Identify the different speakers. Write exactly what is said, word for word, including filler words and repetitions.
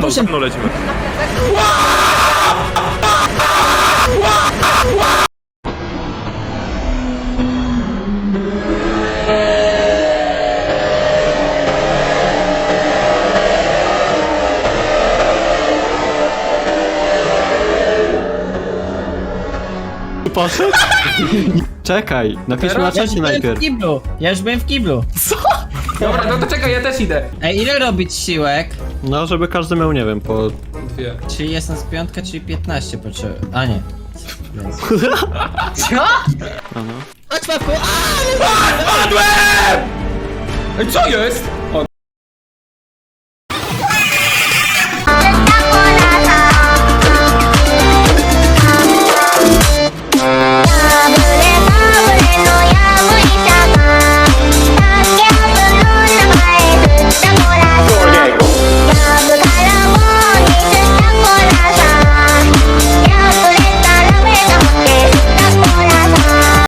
Speaker 1: mną, za
Speaker 2: proszę.
Speaker 1: mną lecimy.
Speaker 3: Poszedł? Czekaj, napiszmy na
Speaker 2: Ja już
Speaker 3: czacie
Speaker 2: byłem w
Speaker 3: najpierw.
Speaker 2: kiblu. Ja już byłem w kiblu.
Speaker 4: Dobra, no to czekaj, ja też idę.
Speaker 2: Ej, ile robić siłek?
Speaker 3: No, żeby każdy miał, nie wiem, po...
Speaker 4: Dwie.
Speaker 2: Czyli jestem z piątka, czyli piętnaście potrzeby. A nie.
Speaker 4: Co?
Speaker 3: Aha.
Speaker 2: Chodź, papu!
Speaker 4: Padłem! Ej, co jest?